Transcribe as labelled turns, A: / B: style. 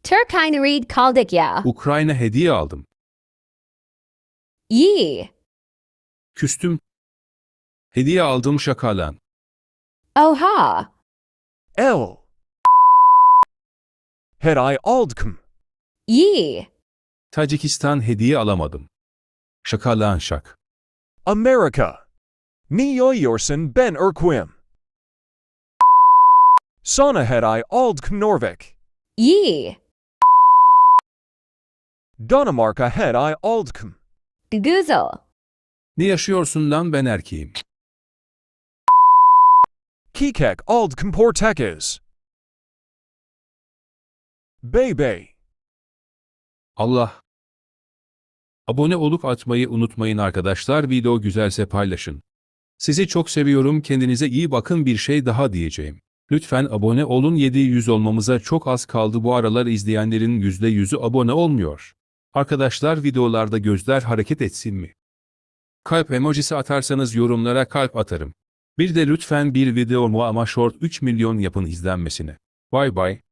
A: Turkine read kaldık ya.
B: Ukrayna hediye aldım.
A: Yi.
B: Küstüm. Hediye aldım şakalan.
A: Oha.
C: L. Hediye aldım.
A: Yi.
B: Tacikistan hediye alamadım. Şakalan şak.
C: Amerika. Niyoyorsun ben Erquim. Sana hediye aldım Norvik.
A: Yi.
C: Danimarka hediye aldım.
A: Güzel.
B: Ne yaşıyorsun lan, ben erkeğim.
C: Kikek aldım Portekiz. Bey.
B: Allah. Abone olup atmayı unutmayın arkadaşlar. Video güzelse paylaşın. Sizi çok seviyorum. Kendinize iyi bakın. Bir şey daha diyeceğim. Lütfen abone olun. 700 olmamıza çok az kaldı. Bu aralar izleyenlerin %100'ü abone olmuyor. Arkadaşlar, videolarda gözler hareket etsin mi? Kalp emojisi atarsanız yorumlara kalp atarım. Bir de lütfen bir videomu ama short 3 milyon yapın izlenmesine. Bye bye.